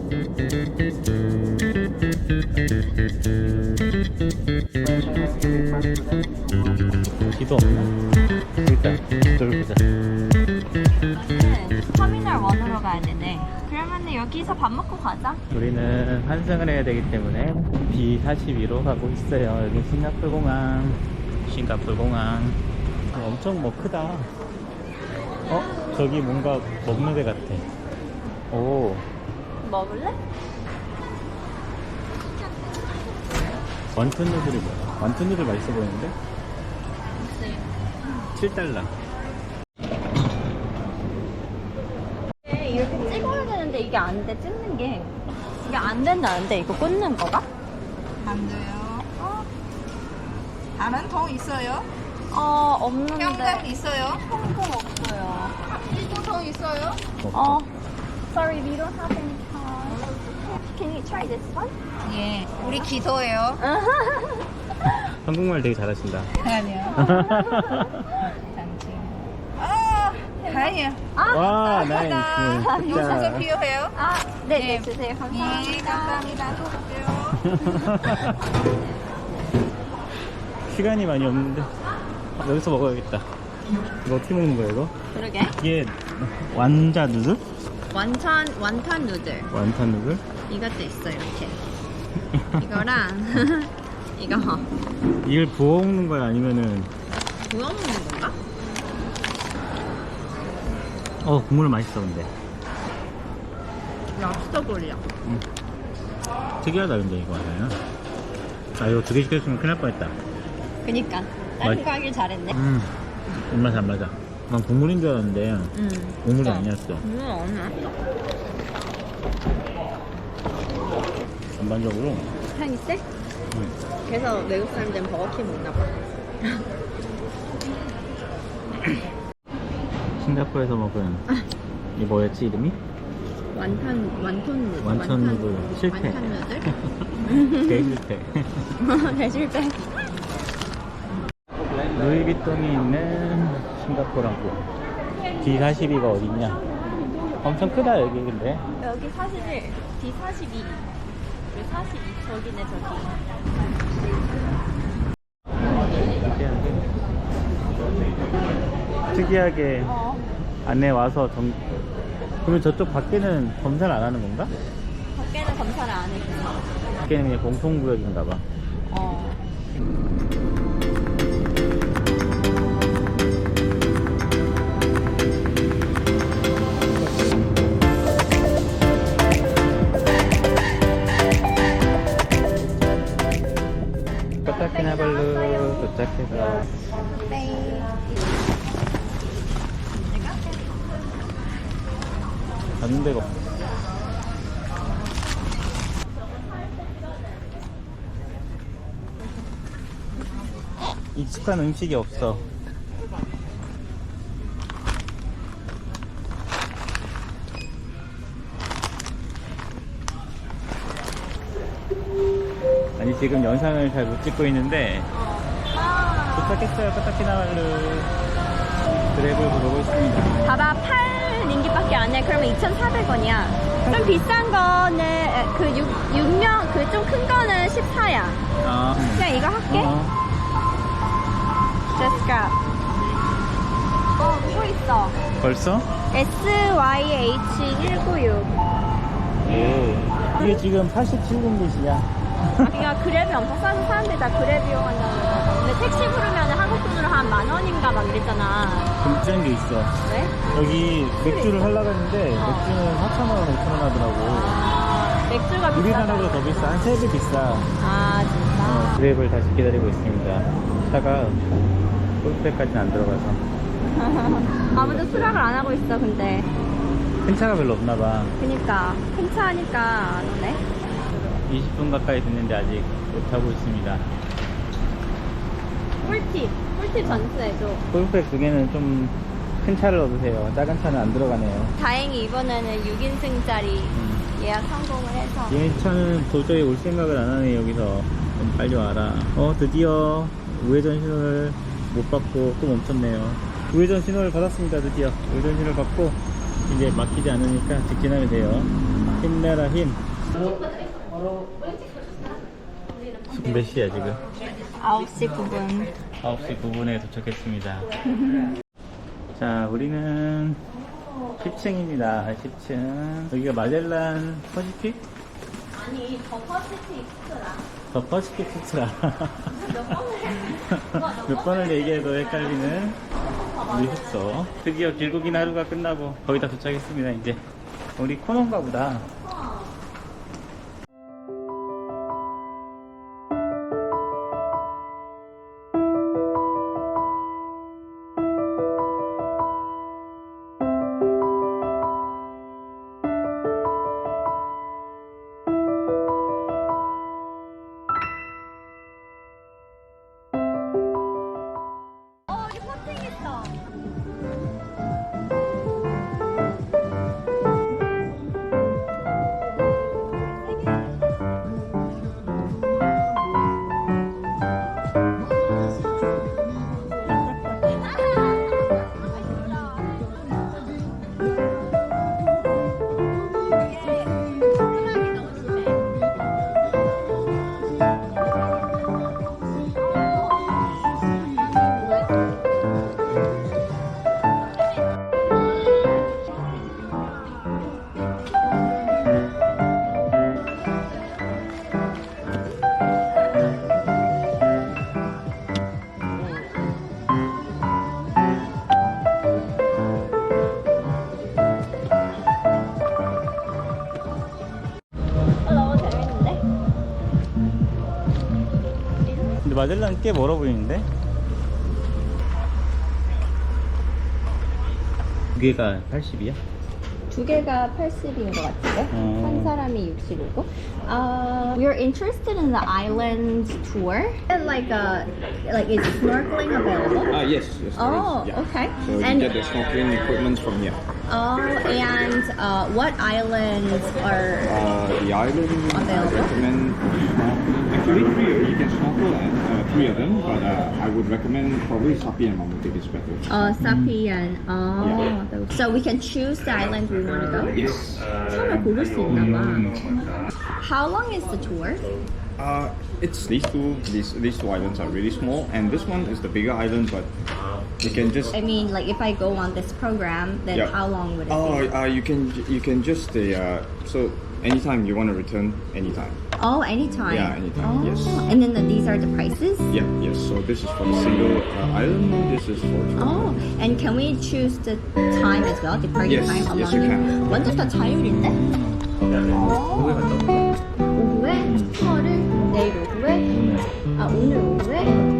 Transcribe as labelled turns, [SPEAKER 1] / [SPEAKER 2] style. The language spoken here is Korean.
[SPEAKER 1] 기도 없나? 일단 저를 보자.
[SPEAKER 2] 터미널 1으로 가야 되네. 그러면 여기서 밥 먹고 가자.
[SPEAKER 1] 우리는 환승을 해야 되기 때문에 B42로 가고 있어요. 여기 싱가포르 공항. 엄청 뭐 크다. 저기 뭔가 먹는 데 같아. 오,
[SPEAKER 2] 먹을래?
[SPEAKER 1] 완톤 누들이 뭐야? 완톤 누들 맛있어 보이는데? 7달러.
[SPEAKER 2] 이렇게 찍어야 되는데 이게 안 돼. 찍는 게 이게 안 된다는데 이거 꽂는 거가?
[SPEAKER 3] 안 돼요. 다른 통 있어요?
[SPEAKER 2] 없는데.
[SPEAKER 3] 현금 있어요?
[SPEAKER 2] 현금 없어요.
[SPEAKER 3] 통 있어요?
[SPEAKER 2] Sorry, we don't have any card. Can you try this one?
[SPEAKER 3] 예. 우리 기도예요.
[SPEAKER 1] 한국말 되게 잘하신다.
[SPEAKER 3] 아니요. 아니요.
[SPEAKER 1] 와,
[SPEAKER 3] 감사합니다.
[SPEAKER 1] 나이스.
[SPEAKER 3] 요소수 필요해요?
[SPEAKER 2] 네, 주세요. 감사합니다.
[SPEAKER 3] 예, 감사합니다. 또 볼게요.
[SPEAKER 1] 시간이 많이 없는데 여기서 먹어야겠다. 이거 어떻게 먹는 거야 이거?
[SPEAKER 2] 그러게.
[SPEAKER 1] 이게 완자 누들?
[SPEAKER 2] 완탄 누들.
[SPEAKER 1] 완탄 누들?
[SPEAKER 2] 이것도 있어 이렇게. 이거랑 이거
[SPEAKER 1] 이걸 부어 먹는 거야 아니면은
[SPEAKER 2] 구워 먹는 건가?
[SPEAKER 1] 국물 맛있어 근데.
[SPEAKER 2] 랍스터볼이야.
[SPEAKER 1] 특이하다 근데 이거 하나요? 이거 2개 시켰으면 큰일 날 뻔했다.
[SPEAKER 2] 그니까 다른
[SPEAKER 1] 맛-
[SPEAKER 2] 거 하길 잘했네.
[SPEAKER 1] 입맛 안 맞아. 난 국물인 줄 알았는데 국물이 아니었어. 전반적으로
[SPEAKER 2] 향이 세? 그래서 외국 사람들은 버거킹 먹나 봐.
[SPEAKER 1] 싱가포르에서 먹은 이 뭐였지 이름이?
[SPEAKER 2] 완톤 누들.
[SPEAKER 1] 완천 누들 실패.
[SPEAKER 2] 완탄 누들?
[SPEAKER 1] 대실패.
[SPEAKER 2] 대실패.
[SPEAKER 1] 루이비통이 있는 싱가포르 항공. D42가 어딨냐? 엄청 크다 여기 근데.
[SPEAKER 2] 여기 41, D42. 그리고 42, 저기네 저기.
[SPEAKER 1] 특이하게 안에 와서 그러면 저쪽 밖에는 검사를 안 하는 건가?
[SPEAKER 2] 밖에는 검사를 안 해.
[SPEAKER 1] 밖에는 그냥 공통구역인가 봐. 코타키나발루 도착해서 가는 데가 없어. 익숙한 음식이 없어. 아니 지금 영상을 잘 못 찍고 있는데 도착했어요. 코타키나발루 드랩을 부르고 있습니다.
[SPEAKER 2] 봐봐, 8링깃밖에 안 해. 그러면 2,400원이야. 좀 비싼 거는 그 6명 그 좀 큰 거는 14야. 그냥 이거 할게. 제스카. 누구 있어?
[SPEAKER 1] 벌써?
[SPEAKER 2] SYH196.
[SPEAKER 1] 이게 지금 87링깃이야.
[SPEAKER 2] 그러니까 그랩이 엄청 싸서 사람들이 다 그랩 이용한다는 거. 근데 택시 부르면 한국 돈으로 한 10,000원인가 막 이랬잖아.
[SPEAKER 1] 좀 비싼 게 있어.
[SPEAKER 2] 왜?
[SPEAKER 1] 여기 맥주를 하려고 했는데 맥주는 4,000원, 5,000원 하더라고.
[SPEAKER 2] 맥주가 비싸다.
[SPEAKER 1] 우리나라보다 더 비싸. 한 3배 비싸.
[SPEAKER 2] 진짜?
[SPEAKER 1] 그랩을 다시 기다리고 있습니다. 차가 골프백까지는 안 들어가서.
[SPEAKER 2] 아무도 수락을 안 하고 있어, 근데.
[SPEAKER 1] 큰 차가 별로 없나 봐.
[SPEAKER 2] 그니까. 큰 차 하니까 안 오네.
[SPEAKER 1] 20분 가까이 됐는데 아직 못 타고 있습니다.
[SPEAKER 2] 꿀팁 전수해줘.
[SPEAKER 1] 골프백 2개는 좀 큰 차를 얻으세요. 작은 차는 안 들어가네요.
[SPEAKER 2] 다행히 이번에는 6인승짜리 예약 성공을 해서.
[SPEAKER 1] 얘 차는 도저히 올 생각을 안 하네. 여기서 좀 빨리 와라. 드디어 우회전 신호를 못 받고 또 멈췄네요. 우회전 신호를 받았습니다. 드디어 우회전 신호를 받고 이제 막히지 않으니까 직진하면 돼요. 힘내라 힘. 몇 시야 지금?
[SPEAKER 2] 9시 9분.
[SPEAKER 1] 9시 9분에 도착했습니다. 자, 우리는 10층입니다. 10층. 여기가 마젤란 퍼시픽?
[SPEAKER 2] 아니, 더 퍼시픽 익스트라.
[SPEAKER 1] 더 퍼시픽 익스트라. 몇 번을 얘기해도 헷갈리는 우리 숙소. 드디어 길고 긴 하루가 끝나고 거의 다 도착했습니다. 이제 우리 코너인가 보다.
[SPEAKER 2] 여기 퍼팅 있어. 너무 재밌는데?
[SPEAKER 1] 근데 마젤란 꽤 멀어 보이는데? 두 개가 80이야?
[SPEAKER 2] 두 개가 80인 것 같은데? 한 사람이 65고. We're interested in the island tour. Like is snorkeling available?
[SPEAKER 4] Yes, yes. there
[SPEAKER 2] Oh,
[SPEAKER 4] is, yeah.
[SPEAKER 2] okay.
[SPEAKER 4] So you
[SPEAKER 2] And
[SPEAKER 4] get the snorkeling equipment from here.
[SPEAKER 2] and what islands are
[SPEAKER 4] The island I
[SPEAKER 2] Available?
[SPEAKER 4] recommend snorkeling. Actually, you can snorkel at three of them, but I would recommend probably Sapi and Mamutik is better.
[SPEAKER 2] Sapi and so we can choose the island we want to go?
[SPEAKER 4] Yes.
[SPEAKER 2] 하나 고를 수 있나 봐. How long is the tour?
[SPEAKER 4] It's these two islands are really small, and this one is the bigger island, but you can just.
[SPEAKER 2] I mean, like if I go on this program, then
[SPEAKER 4] Yeah.
[SPEAKER 2] how long would it be?
[SPEAKER 4] You can just stay. So anytime you want to return, anytime.
[SPEAKER 2] Oh, anytime.
[SPEAKER 4] Yeah, anytime, yes.
[SPEAKER 2] And then these are the prices?
[SPEAKER 4] Yeah, yes. So this is for the single island. This is for.
[SPEAKER 2] Oh, and can we choose the time as well? Departure
[SPEAKER 4] Yes,
[SPEAKER 2] time?
[SPEAKER 4] yes, you can.
[SPEAKER 2] 완전 다 자율인데?
[SPEAKER 1] 오후에 갔다 올까?
[SPEAKER 2] 오후에? 투어를 내일 오후에? 오늘 오후에?